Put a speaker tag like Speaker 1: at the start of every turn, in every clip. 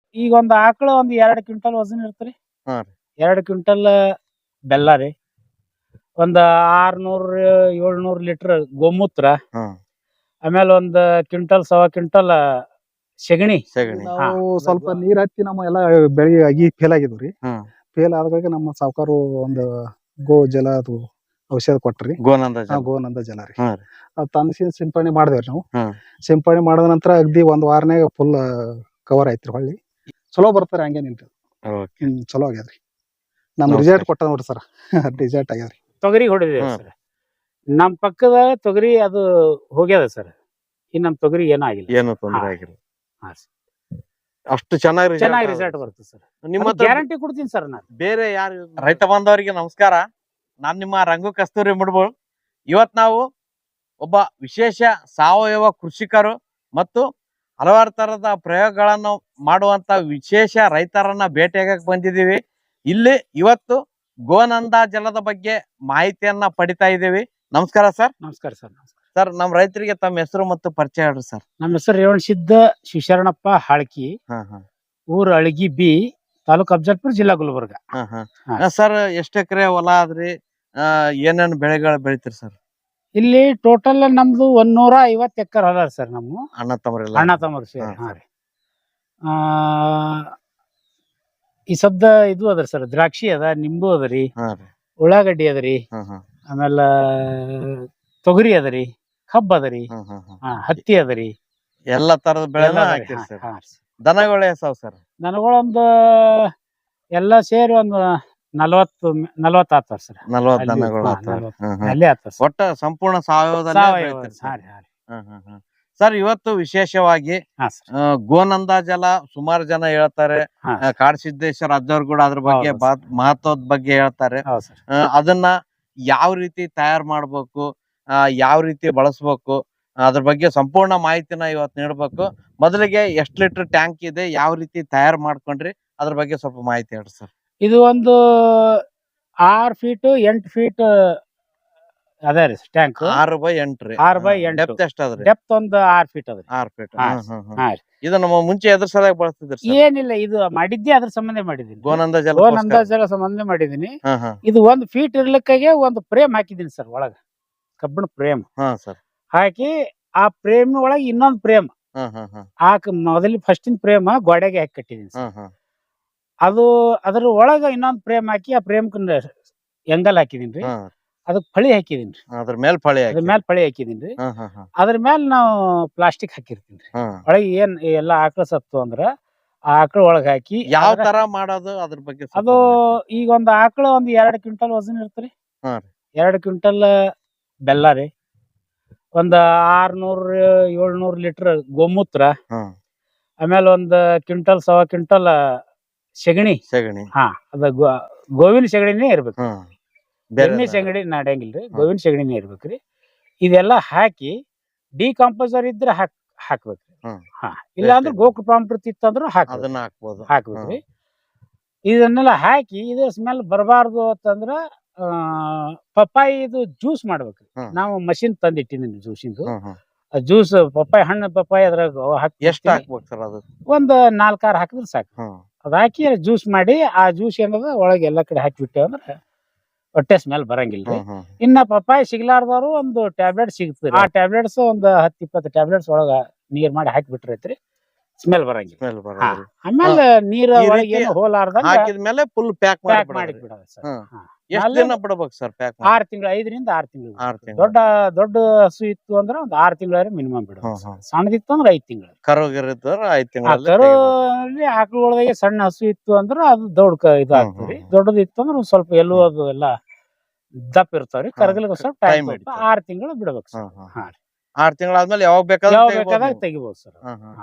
Speaker 1: ಈಗ ಒಂದ್ ಆಕಳ ಒಂದ್ 2 ಕ್ವಿಂಟಲ್ ವಜನ್ ಇರ್ತರಿ.
Speaker 2: ಹಾ ರೀ.
Speaker 1: 2 ಕ್ವಿಂಟಲ್ ಬೆಲ್ಲ ರೀ. ಒಂದ್ 600 700 ಲೀಟರ್ ಗೋಮೂತ್ರ.
Speaker 2: ಹ್ಮ್.
Speaker 1: ಆಮೇಲೆ ಒಂದ್ ಕ್ವಿಂಟಲ್ ಸವಾ ಕ್ವಿಂಟಲ್ ಸೆಗಣಿ.
Speaker 2: ಸೆಗಣಿ.
Speaker 1: ಹಾ.
Speaker 3: ನಾವು ಸ್ವಲ್ಪ ನೀರ್ ಹತ್ತಿ ನಮ್ಮ ಎಲ್ಲಾ ಬೆಳಿ ಆಗಿ ಫೇಲ್ ಆಗಿದ್ವಿ.
Speaker 2: ಹ್ಮ್.
Speaker 3: ಫೇಲ್ ಆದಾಗ ನಮ್ಮ ಸಾವುಕಾರು ಒಂದು ಗೋ ಜಲ ಅದು ಔಷಧ ಕೊಟ್ರಿ.
Speaker 2: ಗೋನಂದ ಜಲ.
Speaker 3: ಗೋನಂದ ಜಲ ರೀ.
Speaker 2: ಹ್ಮ್ ರೀ.
Speaker 3: ಅದ್ ತಂದು ಸಿಂಪಡಣೆ ಮಾಡಿದೇವ್ರಿ ನಾವು.
Speaker 2: ಹ್ಮ್.
Speaker 3: ಸಿಂಪಡಣೆ ಮಾಡಿದ ನಂತರ ಅಗ್ದಿ ಒಂದ್ ವಾರನ್ಯಾಗ ಫುಲ್ ಕವರ್ ಆಯ್ತ್ರಿ. ಹೊಳ್ಳಿ ಚಲೋ ಬರ್ತಾರ ಹಂಗೇನಿಲ್ರಿ.
Speaker 2: ಓಕೆ.
Speaker 3: ಚಲೋ ಆಗ್ಯಾದ್ರಿ. ನಮ್
Speaker 2: ನಮಸ್ಕಾರ.
Speaker 3: ರಿಸಲ್ಟ್ ಕೊಟ್ಟ ನೋಡ್ರಿ ಸರ್. ರಿಸಲ್ಟ್ ಆಗ್ಯಾದ್ರಿ.
Speaker 1: ತೊಗರಿ ಹೊಡಿದೇವ್
Speaker 2: ಹ್ಮ್.
Speaker 1: ಸರ್. ನಮ್ ಪಕ್ಕದ ತೊಗರಿ ಅದು ಹೋಗ್ಯದ ಸರ್. ಇನ್ ನಮ್ ತೊಗರಿ ಏನೂ ಆಗಿಲ್ಲ.
Speaker 2: ಏನು ತೊಂದ್ರೆ
Speaker 1: ಹಾ.
Speaker 2: ಆಗಿಲ್ಲ.
Speaker 1: ಹಾ ಸರ್.
Speaker 2: ಅಷ್ಟು ಚೆನ್ನಾಗಿ
Speaker 1: ಚೆನ್ನಾಗಿ ರಿಸಲ್ಟ್ ಬರುತ್ತೆ ಸರ್.
Speaker 2: ನಿಮ್ಮ ಹತ್ರ
Speaker 1: ಗ್ಯಾರಂಟಿ ಕೊಡ್ತೀನಿ ಸರ್ ನಾನು.
Speaker 2: ಬೇರೆ ಯಾರು ರೈತ ಬಾಂಧವರಿಗೆ ನಮಸ್ಕಾರ. ನಾನ್ ನಿಮ್ಮ ರಂಗು ಕಸ್ತೂರಿ ಮುಡ್ಬೋಳ್. ಇವತ್ ನಾವು ಒಬ್ಬ ವಿಶೇಷ ಸಾವಯವ ಕೃಷಿಕರು ಮತ್ತು ಹಲವಾರು ತರದ ಪ್ರಯೋಗಗಳನ್ನು ಮಾಡುವಂತ ವಿಶೇಷ ರೈತರನ್ನ ಭೇಟಿಯಾಗಕ್ಕೆ ಬಂದಿದ್ದೀವಿ. ಇಲ್ಲಿ ಇವತ್ತು ಗೋನಂದ ಜಲದ ಬಗ್ಗೆ ಮಾಹಿತಿಯನ್ನ ಪಡಿತಾ ಇದ್ದೀವಿ. ನಮಸ್ಕಾರ ಸರ್.
Speaker 1: ನಮಸ್ಕಾರ ಸರ್.
Speaker 2: ಸರ್, ನಮ್ಮ ರೈತರಿಗೆ ತಮ್ಮ ಹೆಸರು ಮತ್ತು ಪರಿಚಯ ಹೇಳ್ರಿ ಸರ್.
Speaker 1: ನಮ್ಮ ಹೆಸರು ರೇವಣಸಿದ್ದ ಶಿವಶರಣಪ್ಪ ಹಾಳ್ಕಿ,
Speaker 2: ಹಾ ಹಾ.
Speaker 1: ಊರು ಅಳಗಿ ಬಿ, ತಾಲೂಕು ಅಫಜಲ್ಪುರ, ಜಿಲ್ಲಾ ಗುಲ್ಬರ್ಗ.
Speaker 2: ಹಾ ಹಾ.
Speaker 1: ಹಾ.
Speaker 2: ಸರ್, ಎಷ್ಟು ಎಕರೆ ಹೊಲ ಆದ್ರಿ? ಏನೇನು ಬೆಳೆಗಳು ಬೆಳಿತೀರಿ ಸರ್?
Speaker 1: ಇಲ್ಲಿ ಟೋಟಲ್ ನಮ್ದು 150 ಎಕರೆ ಹೊಲ ಸರ್. ನಮ್ಮ
Speaker 2: ಅಣ್ಣ ತಮ್ಮರೆಲ್ಲ?
Speaker 1: ಅಣ್ಣ ತಮ್ಮರು ಸೇರಿ.
Speaker 2: ಹಾ,
Speaker 1: ಹಾ ರೀ. ಈ ಸದ್ದ ಇದು ಅದ ಸರ್, ದ್ರಾಕ್ಷಿ ಅದ, ನಿಂಬು ಅದರಿ,
Speaker 2: ಹಾ ರೀ.
Speaker 1: ಉಳ್ಳಾಗಡ್ಡಿ ಅದರಿ,
Speaker 2: ಹಾ ಹಾ.
Speaker 1: ಆಮೇಲೆ ತೊಗರಿ ಅದರಿ, ಕಬ್ಬ ಅದರಿ,
Speaker 2: ಹಾ ಹಾ ಹಾ.
Speaker 1: ಹತ್ತಿ ಅದರಿ,
Speaker 2: ಎಲ್ಲಾ ತರದ ಬೆಳೆ
Speaker 1: ಎಲ್ಲ ಅದರಿ.
Speaker 2: ಹಾಕಿರಿ ಸರ್.
Speaker 1: ಹಾ.
Speaker 2: ದನಗಳು ಎಷ್ಟಾವ್ ಸರ್?
Speaker 1: ನನಗಳೊಂದು ಎಲ್ಲ ಸೇರಿ ಒಂದು 40 ಆಗ್ತಾವ ಸರ್.
Speaker 2: 40
Speaker 1: ಅಲ್ಲಿ
Speaker 2: ದನಗಳು
Speaker 1: ಹಾ,
Speaker 2: ಆತಾವ್ರಿ.
Speaker 1: 40
Speaker 2: ಹಾ ಹಾ.
Speaker 1: ಅಲ್ಲೇ ಆಗ್ತಾವ ಸರ್.
Speaker 2: ಒಟ್ಟ ಸಂಪೂರ್ಣ ಸಾವಯವದಲ್ಲೇ
Speaker 1: ಸಾವಯವ.
Speaker 2: ಬೆಳಿತೀರಿ
Speaker 1: ಹಾ
Speaker 2: ಸರ್?
Speaker 1: ರೀ, ಹಾ ರೀ.
Speaker 2: ಹಾ ಹಾ ಹಾ. ಸರ್, ಇವತ್ತು ವಿಶೇಷವಾಗಿ
Speaker 1: ಹಾ ಸರ್.
Speaker 2: ಗೋನಂದ ಜಲ ಸುಮಾರು ಜನ ಹೇಳ್ತಾರೆ.
Speaker 1: ಹಾ.
Speaker 2: ಕಾಡಸಿದ್ದೇಶ್ವರ ಅಜ್ಜವ್ರು ಕೂಡ ಅದ್ರ ಬಗ್ಗೆ
Speaker 1: ಹೌದು
Speaker 2: ಮಹತ್ವದ ಬಗ್ಗೆ ಹೇಳ್ತಾರೆ.
Speaker 1: ಹೌದು ಸರ್.
Speaker 2: ಅದನ್ನ ಯಾವ ರೀತಿ ತಯಾರು ಮಾಡ್ಬೇಕು, ಯಾವ ರೀತಿ ಬಳಸ್ಬೇಕು, ಅದ್ರ ಬಗ್ಗೆ ಸಂಪೂರ್ಣ ಮಾಹಿತಿನ ಇವತ್ತು ನೀಡ್ಬೇಕು. ಮೊದಲಿಗೆ ಎಷ್ಟು ಲೀಟರ್ ಟ್ಯಾಂಕ್ ಇದೆ, ಯಾವ ರೀತಿ ತಯಾರು ಮಾಡ್ಕೊಂಡ್ರಿ, ಅದ್ರ ಬಗ್ಗೆ ಸ್ವಲ್ಪ ಮಾಹಿತಿ ಹೇಳ್ರಿ ಸರ್.
Speaker 1: ಇದು ಒಂದು 6 ಫೀಟ್ 8 ಫೀಟ್ ಅದ ರೀ ಟ್ಯಾಂಕ್.
Speaker 2: 6x8 ರೀ.
Speaker 1: 6x8.
Speaker 2: ಡೆಪ್ತ್ ಎಷ್ಟ್ ಅದ್ರಿ?
Speaker 1: ಡೆಪ್ತ್ ಒಂದು 6 ಫೀಟ್ ಅದ.
Speaker 2: 6 ಫೀಟ್.
Speaker 1: ಹಾ. ಹಾ ರೀ.
Speaker 2: ಇದು ನಮ್ಮ ಮುಂಚೆ ಎದ್ರ ಸಲುವಾಗಿ ಬಳಸ್ತಿದ್ರಿ ಸರ್?
Speaker 1: ಏನಿಲ್ಲ, ಇದು ಮಾಡಿದ್ದೆ ಅದ್ರ ಸಂಬಂಧ ಮಾಡಿದೀನಿ.
Speaker 2: ಗೋನಂದ ಜಲ.
Speaker 1: ಗೋನಂದ ಜಲ ಸಂಬಂಧ ಮಾಡಿದೀನಿ.
Speaker 2: ಹಾ ಹಾ.
Speaker 1: ಇದು 1 ಫೀಟ್ ಇರ್ಲಿಕ್ಕಾಗೆ ಒಂದು ಫ್ರೇಮ್ ಹಾಕಿದೀನಿ ಸರ್ ಒಳಗ, ಕಬ್ಬಿಣ ಫ್ರೇಮ್
Speaker 2: ಹಾ ಸರ್.
Speaker 1: ಹಾಕಿ ಆ ಫ್ರೇಮ್ ಒಳಗೆ ಇನ್ನೊಂದು ಫ್ರೇಮ್
Speaker 2: ಹಾ ಹಾ ಹಾ.
Speaker 1: ಮೊದಲ ಫಸ್ಟಿನ ಫ್ರೇಮ್ ಗೋಡೆಗೆ ಹಾಕಿ ಕಟ್ಟಿದೀನಿ
Speaker 2: ಹಾ
Speaker 1: ಸರ್.
Speaker 2: ಹಾ.
Speaker 1: ಅದು ಅದ್ರ ಒಳಗ ಇನ್ನೊಂದು ಫ್ರೇಮ್ ಹಾಕಿ ಆ ಫ್ರೇಮ್ ಎಂಗಲ್ ಹಾಕಿದೀನಿ ರೀ.
Speaker 2: ಹಾ.
Speaker 1: ಅದಕ್ಕೆ ಫಳಿ ಹಾಕಿದೀನಿ ರೀ.
Speaker 2: ಅದ್ರ ಮೇಲೆ ಫಳಿ
Speaker 1: ಅದ್ರ
Speaker 2: ಹಾಕಿ.
Speaker 1: ಮೇಲೆ ಫಳಿ ಹಾಕಿದೀನಿ ರೀ.
Speaker 2: ಹಾ ಹಾ ಹಾ.
Speaker 1: ಅದ್ರ ಮೇಲೆ ನಾವು ಪ್ಲಾಸ್ಟಿಕ್ ಹಾಕಿರ್ತೀನಿ ರೀ.
Speaker 2: ಹಾ.
Speaker 1: ಒಳಗೆ ಏನ್ ಎಲ್ಲ ಆಕಳ ಸತ್ತು ಅಂದ್ರ ಆ ಆಕಳ ಒಳಗ ಹಾಕಿ.
Speaker 2: ಯಾವ ತರ ಮಾಡೋದು ಅದ್ರ ಬಗ್ಗೆ ಸ್ವಲ್ಪ
Speaker 1: ಅದು
Speaker 2: ಮಾಹಿತಿ.
Speaker 1: ಈಗ ಒಂದು ಆಕಳ ಒಂದು 2 ಕ್ವಿಂಟಲ್ ವಜನ್ ಇರ್ತರಿ.
Speaker 2: ಹಾ ರೀ.
Speaker 1: 2 ಕ್ವಿಂಟಲ್ ಬೆಲ್ಲ ರೀ, ಒಂದ್ 600 700 ಲೀಟರ್ ಗೋಮೂತ್ರ,
Speaker 2: ಹಾ.
Speaker 1: ಆಮೇಲೆ ಒಂದ್ ಕ್ವಿಂಟಲ್ ಸವಾ ಕ್ವಿಂಟಲ್ ಸೆಗಣಿ.
Speaker 2: ಸೆಗಣಿ.
Speaker 1: ಹಾ, ಅದ ಗೋವಿನ ಸೆಗಣಿನೇ ಇರ್ಬೇಕು.
Speaker 2: ಹಾ.
Speaker 1: ಎಮ್ಮೆ ಸೆಗಣಿ ನಡೆಯಂಗಿಲ್ರಿ, ಗೋವಿನ ಸೆಗಣಿನೇ ಇರ್ಬೇಕ್ರಿ. ಇದೆಲ್ಲ ಹಾಕಿ ಡಿಕಾಂಪೋಸರ್ ಇದ್ರೆ ಹಾಕ್ಬೇಕ್ರಿ. ಹಾ. ಇಲ್ಲ ಅಂದ್ರೆ ಗೋಕೃಪಾಮೃತ ಇತ್ತಂದ್ರು
Speaker 2: ಅದನ್ನ ಹಾಕ್ಬೋದು.
Speaker 1: ಹಾಕ್ಬೇಕ್ರಿ. ಇದನ್ನೆಲ್ಲ ಹಾಕಿ ಇದ್ರ ಸ್ಮೆಲ್ ಬರಬಾರ್ದು ಅಂತಂದ್ರ ಪಪ್ಪಾಯಿ ಇದು ಜ್ಯೂಸ್ ಮಾಡ್ಬೇಕ್ರಿ. ನಾವು ಮಷಿನ್ ತಂದಿಟ್ಟಿದ್ದೀನಿ ಜ್ಯೂಸಿಂದು. ಜ್ಯೂಸ್ ಪಪ್ಪಾಯಿ ಹಣ್ಣು ಪಪ್ಪಾಯಿ ಅದ್ರಾಗ
Speaker 2: ಎಷ್ಟು ಹಾಕ್ಬೇಕು ಸರ್ ಅದು?
Speaker 1: ಒಂದ್ 4 6 ಹಾಕಿದ್ರೆ ಸಾಕು. ಅದ್ ಹಾಕಿ ಜ್ಯೂಸ್ ಮಾಡಿ ಆ ಜ್ಯೂಸ್ ಏನದ ಒಳಗೆ ಎಲ್ಲಾ ಕಡೆ ಹಾಕಿಬಿಟ್ಟೆ ಅಂದ್ರೆ ಹೊಟ್ಟೆ ಸ್ಮೆಲ್ ಬರಂಗಿಲ್ರಿ. ಇನ್ನ ಪಪ್ಪಾಯಿ ಸಿಗ್ಲಾರ್ದವ್ರು ಒಂದು ಟ್ಯಾಬ್ಲೆಟ್ ಸಿಗ್ತದೆ. ಆ ಟ್ಯಾಬ್ಲೆಟ್ಸ್ ಒಂದು 10-20 ಟ್ಯಾಬ್ಲೆಟ್ಸ್ ಒಳಗ ನೀರ್ ಮಾಡಿ ಹಾಕಿಬಿಟ್ರೈತ್ರಿ, ಸ್ಮೆಲ್ ಬರಂಗಿಲ್ಲ. ಆಮೇಲೆ ನೀರ್ ಒಳಗೆ ಏನು ಹೋಲಾರ್ದಂಗ
Speaker 2: ಹಾಕಿದ್ಮೇಲೆ ಫುಲ್ ಪ್ಯಾಕ್
Speaker 1: ಮಾಡಿ ಬಿಡೋದು ಸರ್.
Speaker 2: ಎಷ್ಟು ದಿನ ಬಿಡಬೇಕು ಸರ್ ಪ್ಯಾಕ್?
Speaker 1: 6 ತಿಂಗಳು, 5 ರಿಂದ 6 ತಿಂಗಳು. ದೊಡ್ಡ ಹಸು ಇತ್ತು ಅಂದ್ರೆ ಒಂದು 6 ತಿಂಗಳ ಮಿನಿಮಮ್ ಬಿಡೋದು. ಸಣ್ಣದಿತ್ತು ಅಂದ್ರೆ 5 ತಿಂಗಳು.
Speaker 2: ಕರುಗಿರಿದ್ರೆ 5 ತಿಂಗಳು.
Speaker 1: ಕರುಲ್ಲಿ ಆಕಳೊಳಗೆ ಸಣ್ಣ ಹಸು ಇತ್ತು ಅಂದ್ರೆ ಅದು ದೊಡ್ಡ ಇದು ಆಗ್ತದ್ರಿ. ದೊಡ್ಡದು ಇತ್ತು ಅಂದ್ರೆ ಸ್ವಲ್ಪ ಎಲ್ಲೂ ಅದು ಎಲ್ಲ ದಪ್ಪ ಇರ್ತಾವ್ರಿ. ಕರಗಲಿಗೆ ಸ್ವಲ್ಪ ಟೈಮ್ 6 ತಿಂಗಳು ಬಿಡ್ಬೇಕು ಸರ್.
Speaker 2: 6 ತಿಂಗಳಾದ್ಮೇಲೆ ಯಾವಾಗ
Speaker 1: ಬೇಕಾದಾಗ ತೆಗಿಬಹುದು ಸರ್.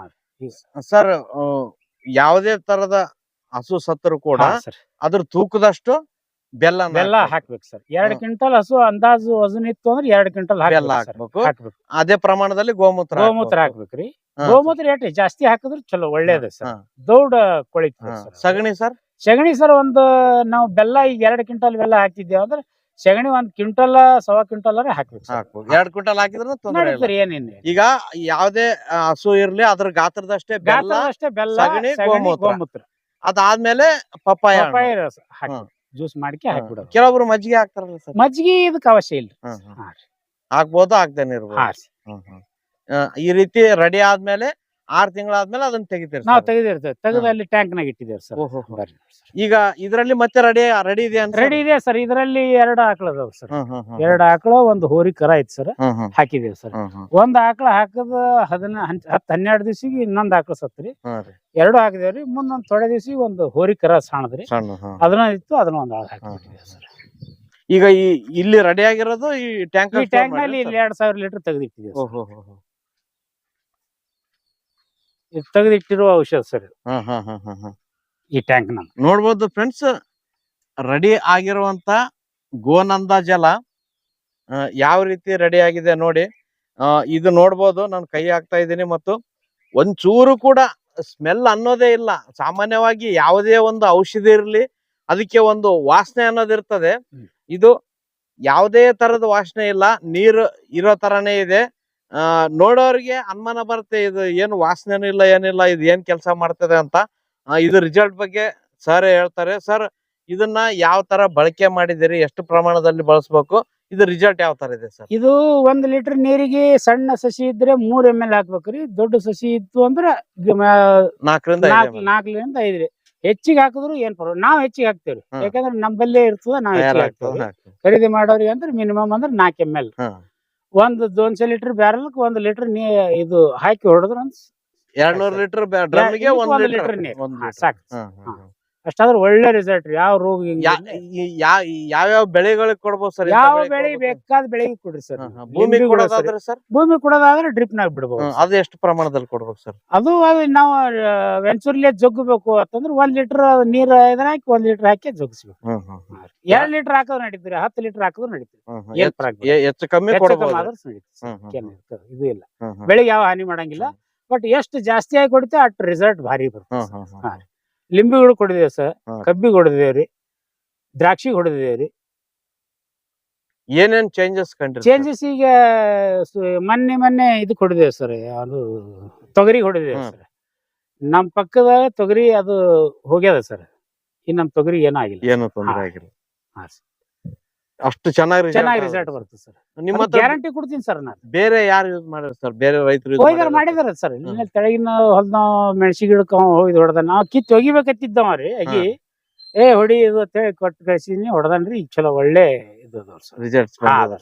Speaker 2: ಸರ್, ಯಾವುದೇ ತರದ ಹಸು ಸತ್ತರು ಕೂಡ ಅದ್ರ ತೂಕದಷ್ಟು ಬೆಲ್ಲ
Speaker 1: ಹಾಕ್ಬೇಕು ಸರ್. 2 ಕ್ವಿಂಟಲ್ ಹಸು ಅಂದಾಜು ವಜನ್ ಇತ್ತು ಅಂದ್ರೆ 2 ಕ್ವಿಂಟಲ್
Speaker 2: ಬೆಲ್ಲ ಹಾಕ್ಬೇಕು. ಅದೇ ಪ್ರಮಾಣದಲ್ಲಿ ಗೋಮೂತ್ರ
Speaker 1: ಹಾಕ್ಬೇಕ್ರಿ. ಗೋಮೂತ್ರ ಏಟ್ರಿ ಜಾಸ್ತಿ ಹಾಕಿದ್ರೆ ಚಲೋ, ಒಳ್ಳೇದ ಸರ್. ದೌಡ ಕೊಳಿತ.
Speaker 2: ಸಗಣಿ ಸರ್?
Speaker 1: ಸಗಣಿ ಸರ್ ಒಂದು ನಾವು ಬೆಲ್ಲ ಈಗ 2 ಕ್ವಿಂಟಲ್ ಬೆಲ್ಲ ಹಾಕಿದ್ದೇವೆ ಅಂದ್ರೆ ಸಗಣಿ 1 ಕ್ವಿಂಟಲ್ 1.25 ಕ್ವಿಂಟಲ್ ಹಾಕ್ಬೇಕು ಸರ್.
Speaker 2: ಹಾಕ್ಬೋದು 2 ಕ್ವಿಂಟಲ್ ಹಾಕಿದ್ರು ತೊಂದರೆ ಇಲ್ಲ.
Speaker 1: ನಡೀತಾರೆ ಏನಿಲ್ಲ.
Speaker 2: ಈಗ ಯಾವ್ದೇ ಹಸು ಇರ್ಲಿ ಅದ್ರ ಗಾತ್ರದಷ್ಟೇ ಬೆಲ್ಲ,
Speaker 1: ಗಾತ್ರದಷ್ಟೇ ಬೆಲ್ಲ,
Speaker 2: ಸಗಣಿ,
Speaker 1: ಸಗಣಿ,
Speaker 2: ಗೋಮೂತ್ರ.
Speaker 1: ಗೋಮೂತ್ರ
Speaker 2: ಅದಾದ್ಮೇಲೆ ಪಪ್ಪಾಯ ಹಣ್ಣು.
Speaker 1: ಪಪ್ಪಾಯ ರಸ ಹಾಕಿ
Speaker 2: ಹ್ಮ್.
Speaker 1: ಜ್ಯೂಸ್ ಮಾಡ್ಕೆ ಹಾಕ್ಬಿಡೋದು.
Speaker 2: ಕೆಲವೊಬ್ರು ಮಜ್ಜಿಗೆ ಹಾಕ್ತಾರಲ್ಲ ಸರ್,
Speaker 1: ಮಜ್ಜಿಗೆ ಇದಕ್ಕೆ ಅವಶ್ಯ ಇಲ್ಲ. ಹಾ ರೀ.
Speaker 2: ಹಾಕ್ಬೋದು, ಹಾಕ್ದೇನೆ ಇರ್ಬೋದು.
Speaker 1: ಹಾ ರೀ.
Speaker 2: ಈ ರೀತಿ ರೆಡಿ ಆದ್ಮೇಲೆ 6 ತಿಂಗಳಾದ್ಮೇಲೆ ಅದನ್ನ ತೆಗಿತೀರಿ
Speaker 1: ನಾವ್
Speaker 2: sir?
Speaker 1: ತೆಗೆದಿರ್ತೇವೆ, ತೆಗೆದು ಅಲ್ಲಿ ಟ್ಯಾಂಕ್ ನಾಗ ಇಟ್ಟಿದ್ದೇವೆ ಸರ್.
Speaker 2: ಓಹೋ. ಈಗ ಇದ್ರಲ್ಲಿ ಮತ್ತೆ ರೆಡಿ ಇದೆ ಅಂತ
Speaker 1: ರೆಡಿ ಇದೆ ಸರ್. ಇದರಲ್ಲಿ 2 ಆಕಳ ಅದಾವ ಸರ್. 2 ಆಕಳ, 1 ಹೋರಿ ಕರ ಐತಿ ಸರ್. ಹಾಕಿದೇವ್ ಸರ್. 1 ಆಕಳ ಹಾಕದ 10-12 ದಿವಸಿಗೆ ಇನ್ನೊಂದ್ ಆಕಳ ಸತ್ರಿ. 2 ಹಾಕಿದೇವ್ರಿ. ಮುಂದೊಂದ್ ಥೋಡೆ ದಿವಸಿಗೆ 1 ಹೋರಿ ಕರ ಸಣ್ಣದ್ರಿ, ಅದನ್ನ ಇತ್ತು, ಅದನ್ನ 1 ಆಳ್ ಹಾಕಿಬಿಟ್ಟಿದ್ದೇವೆ ಸರ್.
Speaker 2: ಈಗ ಇಲ್ಲಿ ರೆಡಿ ಆಗಿರೋದು ಈ ಟ್ಯಾಂಕ್
Speaker 1: ನಲ್ಲಿ 2000 ಲೀಟರ್ ತೆಗೆದಿಟ್ಟಿದ್ದೇವೆ. ತೆಗೆದಿಟ್ಟಿರುವ ಔಷಧ ಸರ್ ಈ ಟ್ಯಾಂಕ್ ನ.
Speaker 2: ನೋಡ್ಬೋದು ಫ್ರೆಂಡ್ಸ್, ರೆಡಿ ಆಗಿರುವಂತ ಗೋನಂದ ಜಲ ಯಾವ ರೀತಿ ರೆಡಿ ಆಗಿದೆ ನೋಡಿ. ಇದು ನೋಡ್ಬೋದು, ನಾನು ಕೈ ಹಾಕ್ತಾ ಇದ್ದೀನಿ ಮತ್ತು ಒಂಚೂರು ಕೂಡ ಸ್ಮೆಲ್ ಅನ್ನೋದೇ ಇಲ್ಲ. ಸಾಮಾನ್ಯವಾಗಿ ಯಾವುದೇ ಒಂದು ಔಷಧಿ ಇರಲಿ ಅದಕ್ಕೆ ಒಂದು ವಾಸನೆ ಅನ್ನೋದಿರ್ತದೆ. ಇದು ಯಾವುದೇ ತರದ ವಾಸನೆ ಇಲ್ಲ, ನೀರು ಇರೋ ತರಾನೇ ಇದೆ. ನೋಡೋರಿಗೆ ಅನುಮಾನ ಬರುತ್ತೆ, ಇದು ಏನು ವಾಸನೆನೂ ಇಲ್ಲ, ಏನಿಲ್ಲ, ಇದು ಏನ್ ಕೆಲಸ ಮಾಡ್ತದೆ ಅಂತ. ಇದು ರಿಸಲ್ಟ್ ಬಗ್ಗೆ ಸರ್ ಹೇಳ್ತಾರೆ. ಸರ್, ಇದನ್ನ ಯಾವ ತರ ಬಳಕೆ ಮಾಡಿದಿರಿ, ಎಷ್ಟು ಪ್ರಮಾಣದಲ್ಲಿ ಬಳಸಬೇಕು, ಇದು ರಿಸಲ್ಟ್ ಯಾವ ತರ ಇದೆ ಸರ್?
Speaker 1: ಇದು 1 ಲೀಟರ್ ನೀರಿಗೆ ಸಣ್ಣ ಸಸಿ ಇದ್ರೆ 3 ml ಹಾಕ್ಬೇಕ್ರಿ. ದೊಡ್ಡ ಸಸಿ ಇತ್ತು ಅಂದ್ರ 4ರಿಂದ 5 ರೀ. ಹೆಚ್ಚಿಗೆ ಹಾಕಿದ್ರು ಏನ್ ಪರವಾಗಿಲ್ಲ, ನಾವ್ ಹೆಚ್ಚಿಗೆ ಹಾಕ್ತೇವ್ರಿ. ಯಾಕಂದ್ರೆ ನಮ್ಮಲ್ಲೇ ಇರ್ತದ, ನಾವ್ ಹೆಚ್ಚಿಗೆ ಹಾಕ್ತೇವೆ. ಖರೀದಿ ಮಾಡೋರಿಗೆ ಅಂದ್ರೆ ಮಿನಿಮಮ್ ಅಂದ್ರೆ 4 ml. 200 ಲೀಟರ್ ಬ್ಯಾರಲ್ 1 ಲೀಟರ್ ಇದು ಹಾಕಿ ಹೊಡೆದ್ರ
Speaker 2: 200 ಲೀಟರ್ ಡ್ರಮ್ಗೆ 1 ಲೀಟರ್
Speaker 1: ನೀರು ಸಾಕು. ಅಷ್ಟಾದ್ರೆ ಒಳ್ಳೆ ರಿಸಲ್ಟ್. ಯಾವ ರೋಗ
Speaker 2: ಯಾವ್ಯಾವ ಬೆಳೆಗಳಿಗೆ ಕೊಡ್ಬೋದು ಸರ್?
Speaker 1: ಯಾವ ಬೆಳೆ ಬೇಕಾದ ಬೆಳೆಗೆ ಕೊಡ್ರಿ ಸರ್.
Speaker 2: ಭೂಮಿ ಕೊಡೋದಾದ್ರೆ ಸರ್?
Speaker 1: ಭೂಮಿ ಕೊಡೋದಾದ್ರೆ ಡ್ರಿಪ್ ನಾಗ ಬಿಡ್ಬೋದು.
Speaker 2: ಅದು ಎಷ್ಟು ಪ್ರಮಾಣದಲ್ಲಿ ಕೊಡ್ಬೇಕು ಸರ್?
Speaker 1: ಅದು ನಾವು ವೆಂಚೂರ್ಲಿ ಜಗ್ಗಬೇಕು ಅಂತಂದ್ರೆ 1 ಲೀಟರ್ ನೀರ್ ಇದನ್ನ ಹಾಕಿ 1 ಲೀಟರ್ ಹಾಕಿ ಜಗ್ಗಿಸ್ಬೇಕು. 2 ಲೀಟರ್ ಹಾಕೋದು ನಡೀತೀರಿ, 10 ಲೀಟರ್ ಹಾಕೋದು ನಡೀತೀರಿ.
Speaker 2: ಹೆಚ್ಚು ಕಮ್ಮಿ ಕೊಡಬಹುದು,
Speaker 1: ಇದು ಇಲ್ಲ. ಬೆಳೆಗೆ ಯಾವ ಹಾನಿ ಮಾಡಂಗಿಲ್ಲ. ಬಟ್ ಎಷ್ಟು ಜಾಸ್ತಿ ಆಗಿ ಕೊಡ್ತೇವೆ ಅಷ್ಟು ರಿಸಲ್ಟ್ ಭಾರಿ ಬರ್ತದೆ. ಲಿಂಬಿಗಳು ಕೊಡಿದೇವ್ ಸರ್, ಕಬ್ಬಿಗೆ ಹೊಡೆದೇವ್ರಿ, ದ್ರಾಕ್ಷಿಗೆ ಹೊಡೆದೇವ್ರಿ.
Speaker 2: ಏನೇನ್ ಚೇಂಜಸ್
Speaker 1: ಈಗ ಮೊನ್ನೆ ಇದು ಕೊಡಿದೇವ್ ಸರ್, ಅದು ತೊಗರಿ ಹೊಡೆದೇವ್ ಸರ್. ನಮ್ ಪಕ್ಕದ ತೊಗರಿ ಅದು ಹೋಗ್ಯದ ಸರ್. ಇನ್ ನಮ್ ತೊಗರಿ ಏನೂ ಆಗಿಲ್ಲ,
Speaker 2: ಏನು ತೊಂದರೆ ಆಗಿಲ್ಲ. ಅಷ್ಟು ಚೆನ್ನಾಗಿ
Speaker 1: ರಿಸಲ್ಟ್ ಬರ್ತದೆ ಸರ್. ನಿಮ್ಮ ಗ್ಯಾರಂಟಿ ಕೊಡ್ತೀನಿ ಸರ್. ನಾನು
Speaker 2: ಬೇರೆ ಯಾರು ಯೂಸ್ ಮಾಡಿದ್ರು ಸರ್? ಬೇರೆ ರೈತರು
Speaker 1: ಮಾಡಿದಾರ ಸರ್. ತೆಳಗಿನ ಹೊಲ್ದ ಮೆಣಸಿ ಗಿಡಕ್ಕ ಹೋಗಿದ್ ಹೊಡೆದ. ನಾವು ಕಿತ್ ಒಗಿಬೇಕತ್ತಿದ್ದವ್ರಿ ಅಗಿ ಹೊಡಿ ಇದು ಕೊಟ್ಟು ಕಳ್ಸಿದೀನಿ, ಹೊಡೆದನ್ರಿ. ಈಗ ಚಲೋ ಒಳ್ಳೆ ಇದು
Speaker 2: ರಿಸಲ್ಟ್ಸ್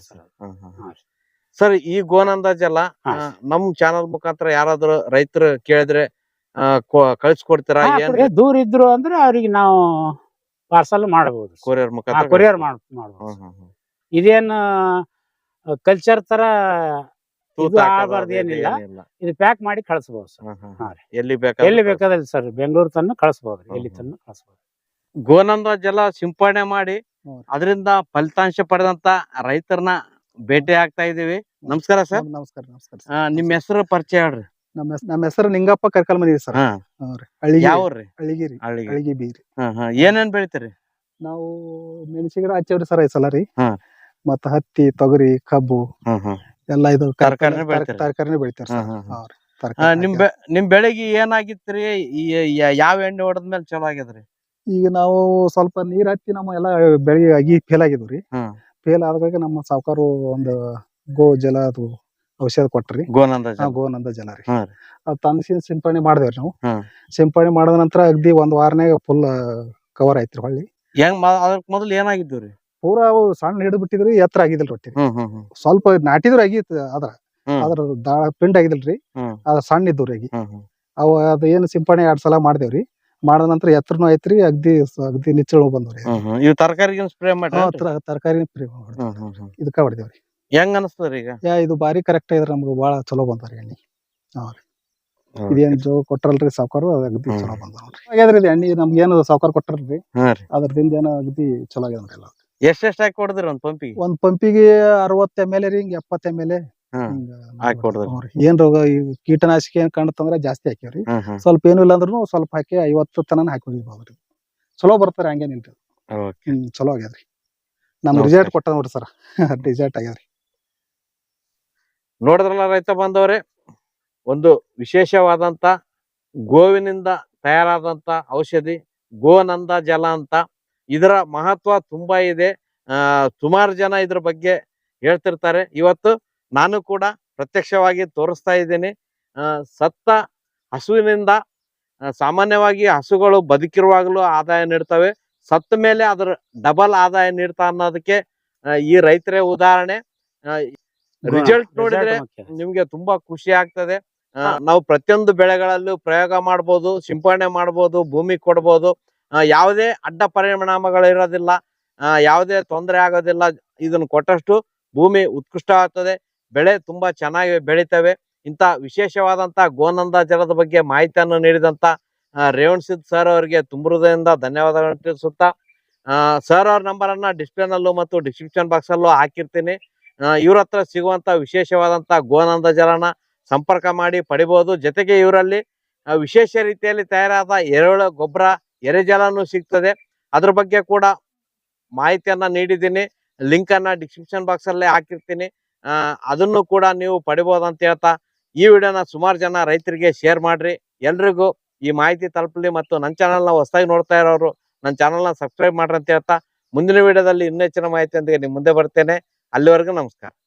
Speaker 2: ಸರ್. ಈ ಗೋನಂದ ಜಲ ನಮ್ ಚಾನಲ್ ಮುಖಾಂತರ ಯಾರಾದ್ರೂ ರೈತರು ಕೇಳಿದ್ರೆ ಕಳ್ಸಿಕೊಡ್ತೀರಾ?
Speaker 1: ದೂರ ಇದ್ರು ಅಂದ್ರೆ ಅವ್ರಿಗೆ ನಾವು ಪಾರ್ಸಲ್ ಮಾಡಬಹುದು,
Speaker 2: ಕೊರಿಯರ್ ಮುಖಾಂತರ
Speaker 1: ಕೊರಿಯರ್ ಮಾಡಬಹುದು. ಇದೇನ್ ಕಲ್ಚರ್ ತರ ಇದು ಆಗಬಾರ್ದು, ಏನಿಲ್ಲ. ಇದು ಪ್ಯಾಕ್ ಮಾಡಿ ಕಳಿಸಬಹುದು ಸರ್. ಎಲ್ಲಿ ಬೇಕಾದಲ್ಲಿ ಸರ್, ಬೆಂಗಳೂರು ತನಕ ಕಳಿಸಬಹುದು, ಎಲ್ಲಿ ತನಕ ಕಳಿಸಬಹುದು.
Speaker 2: ಗೋನಂದ ಜಲ ಸಿಂಪಡಣೆ ಮಾಡಿ ಅದರಿಂದ ಫಲಿತಾಂಶ ಪಡೆದಂತ ರೈತರನ್ನ ಭೇಟಿ ಆಗ್ತಾ ಇದೀವಿ. ನಮಸ್ಕಾರ ಸರ್.
Speaker 3: ನಮಸ್ಕಾರ.
Speaker 2: ನಿಮ್ ಹೆಸರು ಪರಿಚಯ ಹೇಳ್ರಿ.
Speaker 3: ನಮ್ಮ ಹೆಸರು ನಿಂಗಪ್ಪ ಕರ್ಕಲ್ಮನಿ ಸರ್.
Speaker 2: ಯಾವ್ರಿ?
Speaker 3: ಅಳಿಗಿ ಬೀರಿ.
Speaker 2: ಏನೇನ್ ಬೆಳಿತೀರಿ?
Speaker 3: ನಾವು ಮೆಣಸಿ ಗಿಡ ಹಚ್ಚೇವ್ರಿ ಸರ್ ಈ ಸಲ ರೀ. ಮತ್ತ ಹತ್ತಿ, ತೊಗರಿ, ಕಬ್ಬು ಎಲ್ಲಾ ಇದು ತರಕಾರಿನೇ ಬೆಳಿತಾರ ಸರ್.
Speaker 2: ನಿಮ್ ಬೆಳೆಗೆ ಏನಾಗಿತ್ರಿ? ಯಾವ ಎಣ್ಣೆ ಹೊಡೆದ್ಮೇಲೆ ಚಲೋ ಆಗ್ಯದ್ರಿ?
Speaker 3: ಈಗ ನಾವು ಸ್ವಲ್ಪ ನೀರ್ ಹತ್ತಿ ನಮ್ಮ ಎಲ್ಲಾ ಬೆಳೆಗೆ ಅಗಿ ಫೇಲ್ ಆಗಿದ್ವಿ. ಫೇಲ್ ಆದಾಗ ನಮ್ಮ ಸಾವುಕಾರು ಒಂದು ಗೋ ಜಲ ಅದು ಔಷಧ ಕೊಟ್ರಿ, ಗೋನಂದ ಜಲ ರೀ. ಅದ್ ತಂದ ಸಿಂಪಡಣೆ ಮಾಡಿದೇವ್ರಿ ನಾವು. ಸಿಂಪಡಣೆ ಮಾಡಿದ ನಂತರ ಅಗ್ದಿ 1 ವಾರನಾಗ ಫುಲ್ ಕವರ್ ಆಯ್ತ್ರಿ. ಹೊಳ್ಳಿ
Speaker 2: ಅದಕ್ ಮೊದಲು ಏನಾಗಿದ್ರಿ?
Speaker 3: ಪೂರಾ ಅವು ಸಣ್ಣ ಹಿಡಿದು ಬಿಟ್ಟಿದ್ರಿ, ಎತ್ತರ ಆಗಿದಿಲ್ ರೊಟ್ಟಿ. ಸ್ವಲ್ಪ ನಾಟಿದ್ರು ಆಗಿತ್ತು, ಅದ್ರ ಪಿಂಡ್ ಆಗಿದಿಲ್ರಿ, ಅದ್ರ ಸಣ್ಣ ಇದ್ರಿ ಆಗಿ. ಅವ ಅದ ಏನು ಸಿಂಪಡಣೆ 2 ಸಲ ಮಾಡ್ದೇವ್ರಿ. ಮಾಡಿದ ನಂತರ ಎತ್ತರನು ಐತ್ರಿ, ಅಗ್ದಿ ನಿಚ್ಚಳು ಬಂದವ್ರಿ.
Speaker 2: ತರಕಾರಿ ಸ್ಪ್ರೇ ಮಾಡಿ
Speaker 3: ತರಕಾರಿ ಇದಕ್ಕ ಹೊಡೆದೇವ್ರಿ.
Speaker 2: ಹೆಂಗ್ ಅನಸ್ತದ್ರಿ ಈಗ?
Speaker 3: ಇದು ಬಾರಿ ಕರೆಕ್ಟ್ ಇದ್ರ, ನಮ್ಗೆ ಬಾಳ ಚಲೋ ಬಂದ್ರಿ ಎಣ್ಣಿ. ಇದೇನ್ ಜೋ ಕೊಟ್ರಲ್ರಿ ಸಾವುಕಾರು, ಅಗದಿ ಚಲೋ ಬಂದ ನೋಡ್ರಿ. ಹಾಗಾದ್ರಿ ಇದು ಎಣ್ಣಿ ನಮ್ಗೆ ಏನು ಸಾವುಕಾರ ಕೊಟ್ರಲ್ರಿ, ಅದ್ರದಿಂದ ಏನೋ ಅಗದಿ ಚಲೋ ಆಗ್ಯದ್ರಿ ಎಲ್ಲ.
Speaker 2: ಎಷ್ಟೆಷ್ಟು ಹಾಕಿ ಕೊಡದ್ರಿ ಒಂದ್ ಪಂಪಿಗೆ?
Speaker 3: ಒಂದ್ ಪಂಪಿಗೆ 60 ml ರೀ, ಹಿಂಗ 70 ml
Speaker 2: ಹಾಕಿ ಕೊಡದ್ರಿ.
Speaker 3: ಏನ್ ರೋಗ ಕೀಟನಾಶಕ ಏನ್ ಕಂಡತಂದ್ರ ಜಾಸ್ತಿ ಹಾಕಿವ್ರಿ. ಸ್ವಲ್ಪ ಏನು ಇಲ್ಲ ಅಂದ್ರೂ ಸ್ವಲ್ಪ ಹಾಕಿ 50 ತನಕ ಹಾಕಿ ಹೋಗಿದ್ರಿ. ಚಲೋ ಬರ್ತಾರ, ಹಂಗೇನಿಲ್ರಿ. ಚಲೋ ಆಗ್ಯದ್ರಿ. ನಮ್
Speaker 2: ನಮಸ್ಕಾರ.
Speaker 3: ರಿಸಲ್ಟ್ ಕೊಟ್ಟ ನೋಡ್ರಿ ಸರ್ ರಿಸಲ್ಟ್ ಆಗ್ಯಾದ್ರಿ.
Speaker 2: ನೋಡಿದ್ರಲ್ಲ ರೈತ ಬಾಂಧವರೇ, ಒಂದು ವಿಶೇಷವಾದಂತ ಗೋವಿನಿಂದ ತಯಾರಾದಂತ ಔಷಧಿ ಗೋನಂದ ಜಲ ಅಂತ. ಇದರ ಮಹತ್ವ ತುಂಬಾ ಇದೆ. ಸುಮಾರು ಜನ ಇದ್ರ ಬಗ್ಗೆ ಹೇಳ್ತಿರ್ತಾರೆ. ಇವತ್ತು ನಾನು ಕೂಡ ಪ್ರತ್ಯಕ್ಷವಾಗಿ ತೋರಿಸ್ತಾ ಇದ್ದೀನಿ. ಸತ್ತ ಹಸುವಿನಿಂದ ಸಾಮಾನ್ಯವಾಗಿ ಹಸುಗಳು ಬದುಕಿರುವಾಗಲೂ ಆದಾಯ ನೀಡ್ತವೆ, ಸತ್ತ ಮೇಲೆ ಅದರ ಡಬಲ್ ಆದಾಯ ನೀಡ್ತಾ ಅನ್ನೋದಕ್ಕೆ ಈ ರೈತರೇ ಉದಾಹರಣೆ. ರಿಸಲ್ಟ್ ನೋಡಿದ್ರೆ ನಿಮ್ಗೆ ತುಂಬಾ ಖುಷಿ ಆಗ್ತದೆ. ನಾವು ಪ್ರತಿಯೊಂದು ಬೆಳೆಗಳಲ್ಲೂ ಪ್ರಯೋಗ ಮಾಡ್ಬೋದು, ಸಿಂಪಡಣೆ ಮಾಡ್ಬೋದು, ಭೂಮಿ ಕೊಡ್ಬೋದು. ಯಾವುದೇ ಅಡ್ಡ ಪರಿಣಾಮಗಳು ಇರೋದಿಲ್ಲ, ಯಾವುದೇ ತೊಂದರೆ ಆಗೋದಿಲ್ಲ. ಇದನ್ನು ಕೊಟ್ಟಷ್ಟು ಭೂಮಿ ಉತ್ಕೃಷ್ಟ ಆಗ್ತದೆ, ಬೆಳೆ ತುಂಬಾ ಚೆನ್ನಾಗಿ ಬೆಳಿತವೆ. ಇಂಥ ವಿಶೇಷವಾದಂತ ಗೋನಂದ ಜಲದ ಬಗ್ಗೆ ಮಾಹಿತಿಯನ್ನು ನೀಡಿದಂತ ರೇವಣಸಿದ್ ಸರ್ ಅವರಿಗೆ ತುಂಬ ಹೃದಯದಿಂದ ಧನ್ಯವಾದಗಳನ್ನು ತಿಳಿಸುತ್ತಾ, ಸರ್ ಅವ್ರ ನಂಬರ್ ಅನ್ನ ಡಿಸ್ಪ್ಲೇ ನಲ್ಲೂ ಮತ್ತು ಡಿಸ್ಕ್ರಿಪ್ಷನ್ ಬಾಕ್ಸ್ ಅಲ್ಲೂ ಹಾಕಿರ್ತೀನಿ. ಇವ್ರ ಹತ್ರ ಸಿಗುವಂತ ವಿಶೇಷವಾದಂತ ಗೋನಂದ ಜಲನ ಸಂಪರ್ಕ ಮಾಡಿ ಪಡಿಬಹುದು. ಜೊತೆಗೆ ಇವರಲ್ಲಿ ವಿಶೇಷ ರೀತಿಯಲ್ಲಿ ತಯಾರಾದ ಎರೆಹುಳ ಗೊಬ್ಬರ, ಎರೆಜಲನು ಸಿಗ್ತದೆ. ಅದ್ರ ಬಗ್ಗೆ ಕೂಡ ಮಾಹಿತಿಯನ್ನ ನೀಡಿದ್ದೀನಿ. ಲಿಂಕ್ ಅನ್ನ ಡಿಸ್ಕ್ರಿಪ್ಷನ್ ಬಾಕ್ಸ್ ಅಲ್ಲೇ ಹಾಕಿರ್ತೀನಿ. ಅದನ್ನು ಕೂಡ ನೀವು ಪಡಿಬಹುದು ಅಂತ ಹೇಳ್ತಾ, ಈ ವಿಡಿಯೋನ ಸುಮಾರು ಜನ ರೈತರಿಗೆ ಶೇರ್ ಮಾಡ್ರಿ. ಎಲ್ರಿಗೂ ಈ ಮಾಹಿತಿ ತಲುಪಲಿ. ಮತ್ತು ನನ್ನ ಚಾನಲ್ನ ಹೊಸದಾಗಿ ನೋಡ್ತಾ ಇರೋರು ನನ್ನ ಚಾನಲ್ನ ಸಬ್ಸ್ಕ್ರೈಬ್ ಮಾಡ್ರಿ ಅಂತ ಹೇಳ್ತಾ, ಮುಂದಿನ ವಿಡಿಯೋದಲ್ಲಿ ಇನ್ನೂ ಹೆಚ್ಚಿನ ಮಾಹಿತಿಯೊಂದಿಗೆ ನಿಮ್ಮ ಮುಂದೆ ಬರ್ತೇನೆ. ಅಲ್ಲಿವರೆಗೂ ನಮಸ್ಕಾರ.